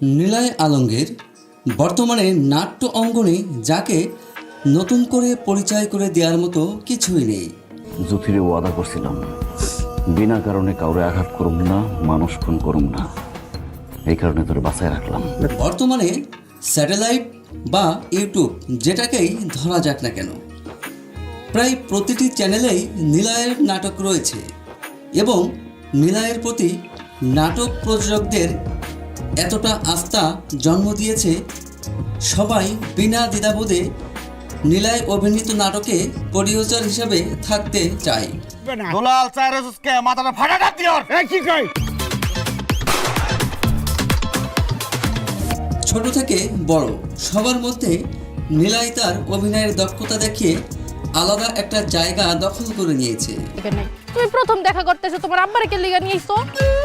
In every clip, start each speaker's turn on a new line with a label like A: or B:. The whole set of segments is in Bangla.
A: নিলয় আলমগীর বর্তমানে নাট্য অঙ্গনে যাকে নতুন করে পরিচয় করে দেওয়ার মতো কিছুই নেই।
B: জুথিরে ওয়াদা করছিলাম বিনা কারণে কাউরে আঘাত করুম না, মানুষ খুন করুম না, এই কারণে তোরে বাঁচায় রাখলাম।
A: বর্তমানে স্যাটেলাইট বা ইউটিউব যেটাকেই ধরা যাক না কেন, প্রায় প্রতিটি চ্যানেলেই নিলয়ের নাটক রয়েছে এবং নিলয়ের প্রতি নাটক প্রযোজকদের এতটা আস্থা জন্ম দিয়েছে, সবাই বিনা দ্বিধাবোধে নিলয় অভিনীত নাটকে প্রডিউসার হিসেবে থাকতে চায়।
C: দুলাল চাইরেসকে মাথাটা ফাটা ডাক দিও। কি কই?
A: ছোট থেকে বড় সবার মধ্যে নিলয় তার অভিনয়ের দক্ষতা দেখিয়ে আলাদা একটা জায়গা দখল করে নিয়েছে।
D: তুমি প্রথম দেখা করতেছো, তোমার আব্বারে কে লিগা নিয়েছো?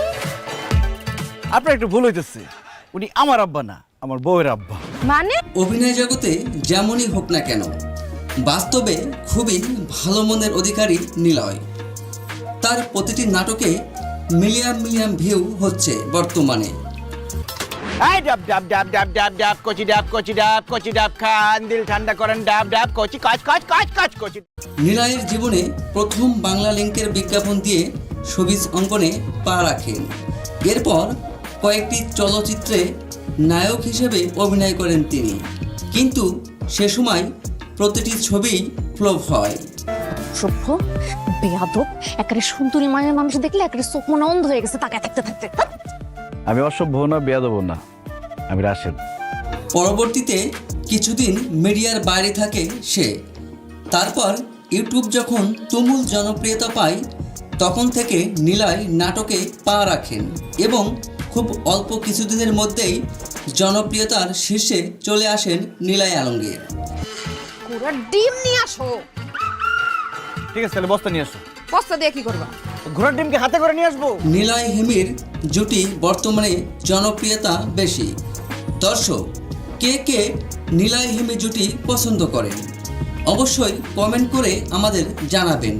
C: আপনার একটু ভুল হইতেছে, উনি আমার আব্বা না, আমার বউয়ের আব্বা।
D: মানে
A: অভিনয় জগতে যেমনই হোক না কেন, বাস্তবে খুবই ভালো মনের অধিকারী নিলয়। তার প্রতিটি নাটকে মিলিয়ন মিলিয়ন ভিউ হচ্ছে বর্তমানে।
C: এই ডাব ডাব ডাব ডাব ডাব ডাব কচি ডাব কচি ডাব কচি ডাব খান, দিল ঠান্ডা করেন ডাব ডাব কচি কাজ কাজ কাজ কাজ কচি।
A: নিলয়ের জীবনে প্রথম বাংলা লিংকের বিজ্ঞাপন দিয়ে শোবিজ অঙ্গনে পা রাখেন। এরপর কয়েকটি চলচ্চিত্রে নায়ক হিসেবে অভিনয় করেন তিনি, কিন্তু সে সময় প্রতিটি ছবি ফ্লপ হয়।
D: সভ্য বেয়াদব, একেবারে সুন্দরী মায়ের মানুষ দেখলে একেবারে চোখ মনে অন্ধ হয়ে গেছে তাকায় থাকতে থাকতে।
B: আমি অসভ্য না, বেয়াদব না, আমি রাশেদ।
A: পরবর্তীতে কিছুদিন মিডিয়ার বাইরে থাকে সে। তারপর ইউটিউব যখন তুমুল জনপ্রিয়তা পায়, তখন থেকে নিলয় নাটকে পা রাখেন এবং খুব অল্প কিছুদিনের মধ্যেই জনপ্রিয়তার শীর্ষে চলে আসেন নিলয় আলমগীর।
D: পুরো ডিম নিয়ে আসো।
C: ঠিক আছে, তাহলে বস্তা নিয়ে আসো।
D: বস্তা দিয়ে কি করবা?
C: ঘোড়ার ডিমকে হাতে করে নিয়ে আসবো।
A: নিলয় হিমির জুটি বর্তমানে জনপ্রিয়তা বেশি। দর্শক কে কে নিলয় হিমি জুটি পছন্দ করেন অবশ্যই কমেন্ট করে আমাদের জানাবেন।